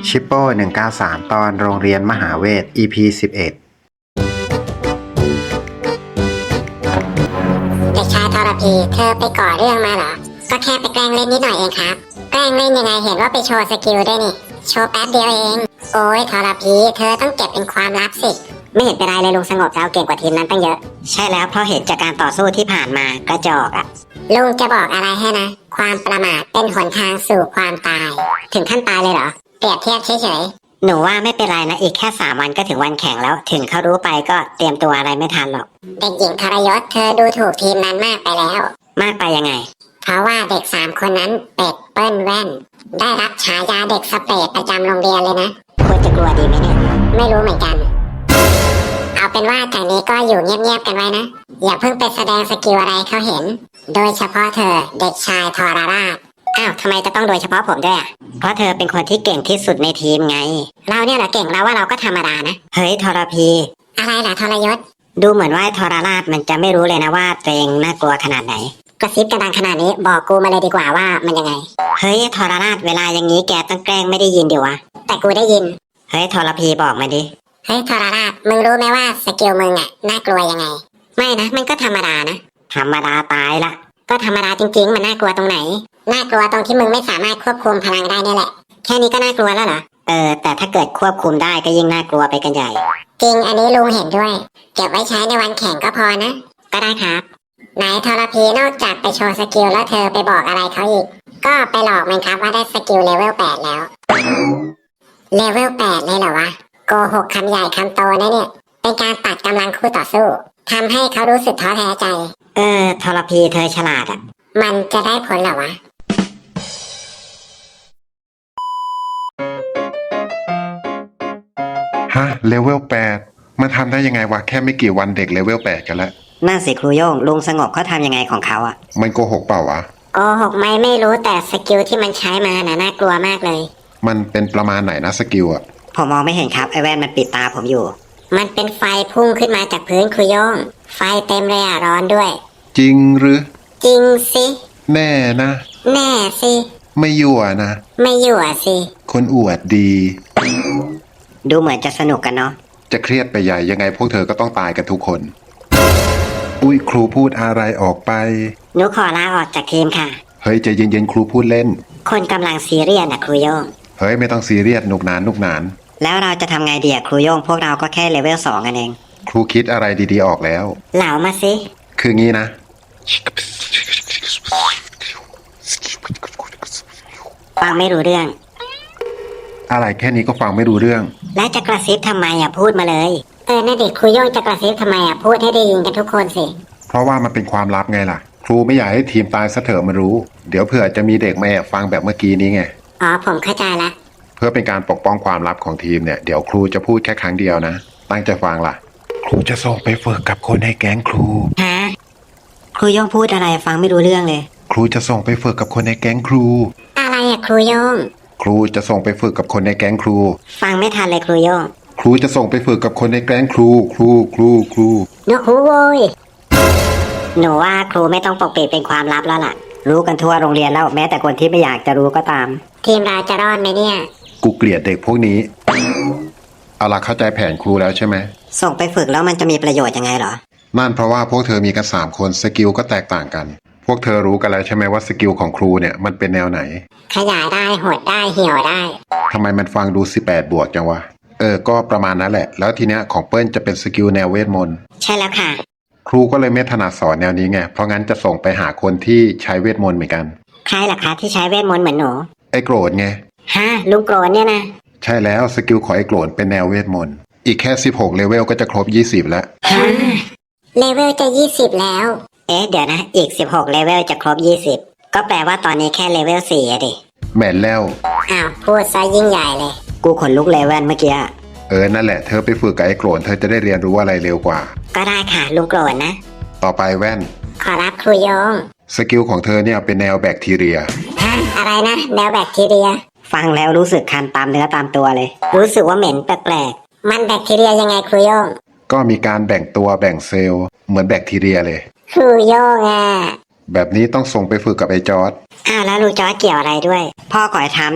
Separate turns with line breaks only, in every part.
ชิปโป้193 ตอนโรงเรียนมหาเวท EP 11
เด็กชายทรพีเธอไปก่อเรื่องมาเหรอก็แค่ไปแกล้งเล่นนิดหน่อยเองครับแกล้งเล่นยังไงเห็นว่าไปโชว์สกิลด้วยนี่โชว์แป๊บเดียวเองโอ้ยทรพีเธอต้องเก็บเป็นความลับสิไม่เห็นเป็นไรเลยลุงสงบเราเก่งกว่าทีมนั้นตั้งเยอะใช่แล้วเพราะเห็นจากการต่อสู้ที่ผ่านมากระจอกอะลุงจะบอกอะไรให้นะความประมาทเป็นหนทางสู่ความตายถึงขั้นตายเลยเหรอเปรียบเทียบเฉยๆหนูว่าไม่เป็นไรนะอีกแค่3 วันก็ถึงวันแข่งแล้วถึงเขารู้ไปก็เตรียมตัวอะไรไม่ทันหรอกเด็กหญิงทรยศเธอดูถูกทีมนั้นมากไปแล้วมากไปยังไงเพราะว่าเด็ก3 คนนั้นเป็ดเปิ้ลแว่นได้รับฉายาเด็กสเปรดประจำโรงเรียนเลยนะควรจะกลัวดีไหมเนี่ยไม่รู้เหมือนกันเอาเป็นว่าจากนี้ก็อยู่เงียบๆกันไว้นะอย่าเพิ่งไปแสดงสกิลอะไรเขาเห็นโดยเฉพาะเธอเด็กชายทรราชอ้าวทำไมจะต้องโดยเฉพาะผมด้วยอ่ะเพราะเธอเป็นคนที่เก่งที่สุดในทีมไงเราเนี่ยแหละเก่งแล้วว่าเราก็ธรรมดานะเฮ้ยทรพีอะไรล่ะทรยศดูเหมือนว่าทรราชมันจะไม่รู้เลยนะว่าตัวเองน่ากลัวขนาดไหนกระซิบกันดังขนาดนี้บอกกูมาเลยดีกว่าว่ามันยังไงเฮ้ยทรราชเวลาอย่างนี้แกต้องแกล้งไม่ได้ยินดิวะแต่กูได้ยินเฮ้ยทรพีบอกมาดิเฮ้ยทรราชมึงรู้ไหมว่าสกิลมึงอ่ะน่ากลัวยังไงไม่นะมันก็ธรรมดานะธรรมดาตายละก็ธรรมดาจริงๆมันน่ากลัวตรงไหนน่ากลัวตรงที่มึงไม่สามารถควบคุมพลังได้นี่แหละแค่นี้ก็น่ากลัวแล้วเหรอแต่ถ้าเกิดควบคุมได้ก็ยิ่งน่ากลัวไปกันใหญ่จริงอันนี้ลุงเห็นด้วยเก็บไว้ใช้ในวันแข่งก็พอนะก็ได้ครับไหนทรพีนอกจากไปโชว์สกิลแล้วเธอไปบอกอะไรเขาอีกก็ไปหลอกมันครับว่าได้สกิลเลเวล8แล้วเลเวล8เลยเหรอวะโกหกคำใหญ่คำโตนะเนี่ยเป็นการตัดกำลังคู่ต่อสู้ทำให้เขารู้สึกท้อแท้ใจทรพีเธอฉลาดอ่ะมันจะได้ผลเหรอวะ
ฮะเลเวล8มันทำได้ยังไงวะแค่ไม่กี่วันเด็กเลเวล8กันแล้ว
นั่นสิครูโย่งลุงสงบเขาทำยังไงของเขาอ่ะ
มันโกหกเปล่าวะ
โกหกไม่รู้แต่สกิลที่มันใช้มาน่ากลัวมากเลย
มันเป็นประมาณไหนนะสกิลอะ
ผมมองไม่เห็นครับไอแว่นมันปิดตาผมอยู่
มันเป็นไฟพุ่งขึ้นมาจากพื้นครูโย่งไฟเต็มเลยร้อนด้วย
จริงหรือ
จริงสิ
แน่นะ
แน่สิ
ไม่ยั่วนะ
ไม่ยั่วสิ
คนอวดดี
ดูเหมือนจะสนุกกันเนาะ
จะเครียดไปใหญ่ยังไงพวกเธอก็ต้องตายกันทุกคนอุ้ยครูพูดอะไรออกไป
หนูขอลาออกจากทีมค่ะ
เฮ้ยใจเย็นๆครูพูดเล่น
คนกำลังซีเรียสนะครูโย่ง
เฮ้ยไม่ต้องซีเรียสหนุกหนาน
แล้วเราจะทำไงดีอะครูโย่งพวกเราก็แค่เลเวล2กันเอง
ครูคิดอะไรดีๆออกแล้ว
เหลามาสิ
คืองี้นะ
ฟังไม่รู้เรื่อง
อะไรแค่นี้ก็ฟังไม่รู้เรื่อง
แล้วจะกระซิบทำไมอะพูดมาเลย
น่าเด็กครูโย่งจะกระซิบทำไมพูดให้ได้ยินกันทุกคนสิ
เพราะว่ามันเป็นความลับไงล่ะครูไม่อยากให้ทีมตายซะเถอะมันรู้เดี๋ยวเผื่อจะมีเด็กมาแอบฟังแบบเมื่อกี้นี้ไง
อ๋อผมเข้าใจละ
เพื่อเป็นการปกป้องความลับของทีมเนี่ยเดี๋ยวครูจะพูดแค่ครั้งเดียวนะตั้งใจฟังล่ะครูจะส่งไปฝึกกับคนในแก๊งครู
ฮะครูโย่งพูดอะไรฟังไม่รู้เรื่องเลย
ครูจะส่งไปฝึกกับคนในแก๊งครู
อะไรครูโย่ง
ครูจะส่งไปฝึกกับคนในแก๊งครู
ฟังไม่ทันเลยครูโย่ง
ครูจะส่งไปฝึกกับคนในแก๊งครูครู
นกฮูโว้ย
หนูว่าครูไม่ต้องปกปิดเป็นความลับแล้วล่ะรู้กันทั่วโรงเรียนแล้วแม้แต่คนที่ไม่อยากจะรู้ก็ตาม
ทีมเราจะรอดไหมเนี่ย
กูเกลียดเด็กพวกนี้เอาล่ะเข้าใจแผนครูแล้วใช่ไหม
ส่งไปฝึกแล้วมันจะมีประโยชน์ยังไงเหรอ
นั่นเพราะว่าพวกเธอมีกัน3 คนสกิลก็แตกต่างกันพวกเธอรู้กันแล้วใช่ไหมว่าสกิลของครูเนี่ยมันเป็นแนวไหน
ขยายได้หดได้เหี่ยวได้
ทำไมมันฟังดู18 บวกจังวะก็ประมาณนั้นแหละแล้วทีเนี้ยของเปิ้ลจะเป็นสกิลแนวเวทมนต์
ใช่แล้วค่ะ
ครูก็เลยไม่ถนัดสอนแนวนี้ไงเพราะงั้นจะส่งไปหาคนที่ใช้เวทมนต์เหมือนกัน
ใครล่ะคะที่ใช้เวทมนต์เหมือนหนู
ไอ้โกรธไง
ฮะลุงโกรธเนี่ยนะ
ใช่แล้วสกิลของไอ้โกรธเป็นแนวเวทมนต์อีกแค่16เลเวลก็จะครบ20แล้ว
ฮะ
เลเวลจะ20แล้ว
เดี๋ยวนะอีก16เลเวลจะครบ20ก็แปลว่าตอนนี้แค่เลเวล4อะดิ
แม่นแล้ว
อ้าวพูดซะยิ่งใหญ่เลย
กูขนลุกเลเวลเมื่อกี้
นั่นแหละเธอไปฝึกกับไอ้โกรธเธอจะได้เรียนรู้อะไรเร็วกว่า
ก็ได้ค่ะลุงโกรธนะ
ต่อไปแว่น
ขอรับครูโยง
สกิลของเธอเนี่ยเป็นแนวแบคทีเรีย
อะไรนะแนวแบคทีเรีย
ฟังแล้วรู้สึกคันตามเนื้อตามตัวเลยรู้สึกว่าเหม็นแปลก
ๆมันแบคทีเรียยังไงครูโยง
ก็มีการแบ่งตัวแบ่งเซลล์เหมือนแบคทีเรียเลย
ครูโยง
แบบนี้ต้องส่งไปฝึกกับไอ้จอร์จ
แล้วลุงจอร์จเกี่ยวอะไรด้วยพ่อขอให้ทำนี่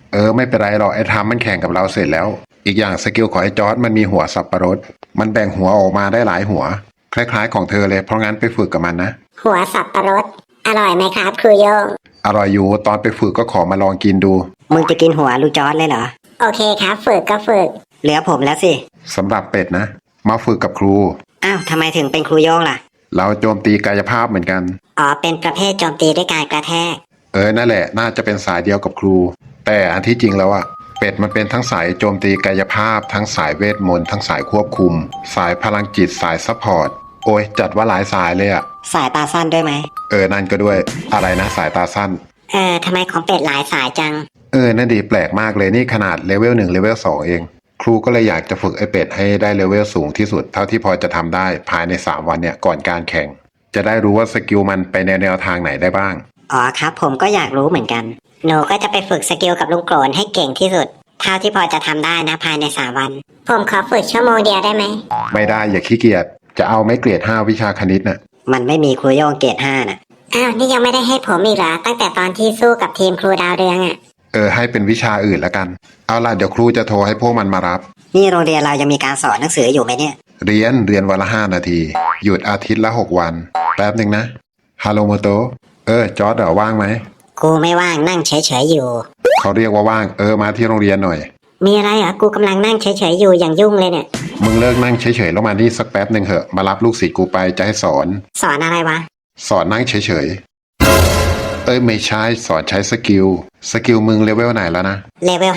ไม่เป็นไรหรอกไอ้ทามมันแข่งกับเราเสร็จแล้ว อีกอย่างสกิลของไอ้จอร์ดมันมีหัวสับประรดมันแบ่งหัวออกมาได้หลายหัว คล้ายๆของเธอเลยเพราะงั้นไปฝึกกับมันนะ
หัวสับปะรดอร่อยไหมครับครูโยง
อร่อยอยู่ตอนไปฝึกก็ขอมาลองกินดู
มึงจะกินหัวลูกจอร์ดเลยเหรอ
โอเคครับฝึกก็ฝึก
เหลือผมแล้วสิ
สำหรับเป็ดนะ มาฝึกกับครู
อ้าวทำไมถึงเป็นครูโยงล่ะ
เราโจมตีกายภาพเหมือนกัน
อ๋อเป็นประเภทโจมตีด้วยการกระแทก
นั่นแหละน่าจะเป็นสายเดียวกับครู แต่อันที่จริงแล้วอะเป็ดมันเป็นทั้งสายโจมตีกายภาพ ทั้งสายเวทมนต์ทั้งสายควบคุม สายพลังจิตสายซัพพอร์ตโอ้ยจัดว่าหลายสายเลยอะ
สายตาสั้นด้วยไหม
นั่นก็ด้วยอะไรนะสายตาสั้น
ทำไมของเป็ดหลายสายจัง
นั่นดีแปลกมากเลยนี่ขนาดเลเวล1เลเวล2เอง ครูก็เลยอยากจะฝึกไอ้เป็ดให้ได้เลเวลสูงที่สุดเท่าที่พอจะทำได้ภายใน3วันเนี่ยก่อนการแข่ง จะได้รู้ว่าสกิลมันไปในแนวทางไหนได้บ้าง
อ๋อครับผมก็อยากรู้เหมือนกัน หนูก็จะไปฝึกสกิลกับลุงโกรนให้เก่งที่สุด เท่าที่พอจะทำได้นะภายใน3 วัน
ผมขอฝึกชั่วโมงเดียวได้ไหม
ไม่ได้อย่าขี้เกียจจะเอาไม่เกรด5วิชาคณิตน่ะ
มันไม่มีครูโยงเกรด5น่ะ
อ้าวนี่ยังไม่ได้ให้ผมอีกเหรอตั้งแต่ตอนที่สู้กับทีมครูดาวเรืองอะ
ให้เป็นวิชาอื่นละกัน เอาล่ะเดี๋ยวครูจะโทรให้พวกมันมารับ
นี่โรงเรียนเรายังมีการสอนหนังสืออยู่ไหมเนี่ย
เรียนวันละ5 นาที หยุดอาทิตย์ละ6 วัน แป๊บหนึ่งนะฮัลโหลโมโตจอร์ดว่างไหม
กูไม่ว่างนั่งเฉยๆอยู่
เขาเรียกว่าว่างมาที่โรงเรียนหน่อย
มีอะไรเหรอกูกำลังนั่งเฉยๆอยู่อย่างยุ่งเลยเนี่ย
มึงเลิกนั่งเฉยๆแล้วมานี่สักแป๊บหนึ่งเหอะมารับลูกศิษย์กูไปจะให้สอน
สอนอะไรวะ
สอนนั่งเฉยๆไม่ใช่สอนใช้สกิลมึงเลเวลไหนแล้วนะ
เลเวล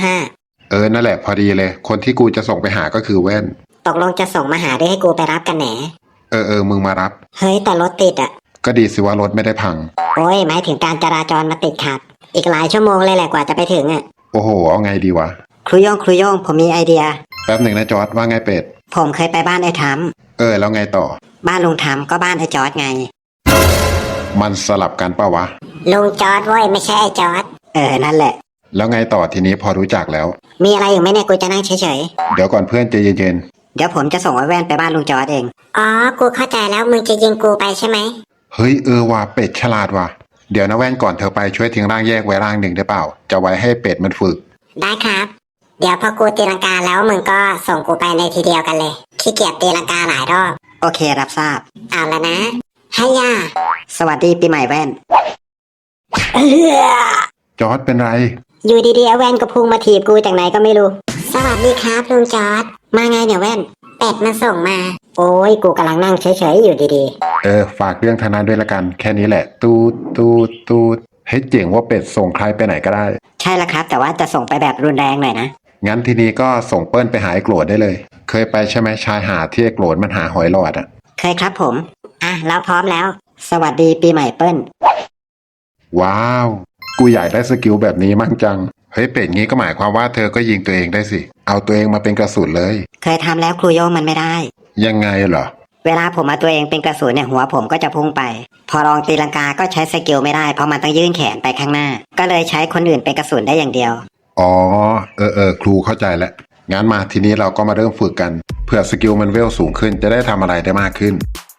5
นั่นแหละพอดีเลย คนที่กูจะส่งไปหาก็คือแว่น
ตกลงจะส่งมาหาด้วยให้กูไปรับกันแหน
มึงมารับ
เฮ้ยแต่รถติดอ่ะ
ก็ดีสิว่ารถไม่ได้พัง
โอ้ยหมายถึงการจราจรมาติดขัด อีกหลายชั่วโมงเลยแหละกว่าจะไปถึงอ่ะ
โอ้โหเอาไงดีวะ
ครูโยงผมมีไอเดีย
แป๊บหนึ่งนะจอร์ดว่าไงเป็ด
ผมเคยไปบ้านไอ้ทัม
แล้วไงต่อ
บ้านลุงทัมก็บ้านไอ้จอร์ดไง
มันสลับกันปะวะ
ลุงจอร์ดเว้ยไม่ใช่ไอ้จอร์ด
นั่นแหละ
แล้วไงต่อทีนี้พอรู้จักแล้ว
มีอะไรอยู่ไหมเนี่ยกูจะนั่งเฉย
เดี๋ยวก่อนเพื่อนใจเย็น
ๆ เดี๋ยวผมจะส่งไอ้แว่นไปบ้านลุงจอร์ดเอง
อ๋อกูเข้าใจแล้วมึงจะยิงกูไปใช่ไหม
ๆเฮ้ยว่ะเป็ดฉลาดว่ะเดี๋ยวนะแว่นก่อนเธอไปช่วยทิ้งร่างแยกไว้ร่างหนึ่งได้เปล่า จะไว้ให้เป็ดมันฝึก
ได้ครับ เดี๋ยวพอกูตีลังกาแล้วมึงก็ส่งกูไปในทีเดียวกันเลยขี้เกียจตีลังกาหลายรอบ
โอเครับทราบ
เอาละนะให้ย่า
สวัสดีปีใหม่แว่น
จอร์ดเป็นไร
อยู่ดีๆไอ้แว่นก็พุ่งมาถีบกูจากไหนก็ไม่รู้
สวัสดีครับลุงจอร์ด
มาไงเนี่ยแว่น
เป็ดมันส่งมา
โอ้ยกูกำลังนั่งเฉยๆอยู่ดี
ฝากเรื่องธนาด้วยละกัน แค่นี้แหละ ตูดให้เจ๋งว่าเป็ดส่งใครไปไหนก็ได้
ๆ ใช่แล้วครับ แต่ว่าจะส่งไปแบบรุนแรงหน่อยนะ
งั้นทีนี้ก็ส่งเปิ้ลไปหาไอ้โกรธได้เลย เคยไปใช่ไหมชายหาดที่ไอ้โกรธมันหาหอยหลอดอ่ะ
เคยครับผม เราพร้อมแล้ว สวัสดีปีใหม่เปิ้ล
ว้าว กูอยากได้สกิลแบบนี้มั่งจัง เฮ้ยเป็ดงี้ก็หมายความว่าเธอก็ยิงตัวเองได้สิ เอาตัวเองมาเป็นกระสุนเลย
เคยทำแล้วครูโยงมันไม่ได้
ยังไงเหรอ
เวลาผมเอาตัวเองเป็นกระสุนเนี่ยหัวผมก็จะพุ่งไป พอลองตีลังกาก็ใช้สกิลไม่ได้เพราะมันต้องยื่นแขนไปข้างหน้า ก็เลยใช้คนอื่นเป็นกระสุนได้อย่างเดียว
อ๋อครูเข้าใจแล้วงั้นมาทีนี้เราก็มาเริ่มฝึกกัน เพื่อสกิลมันเวลสูงขึ้นจะได้ทำอะไรได้มากขึ้น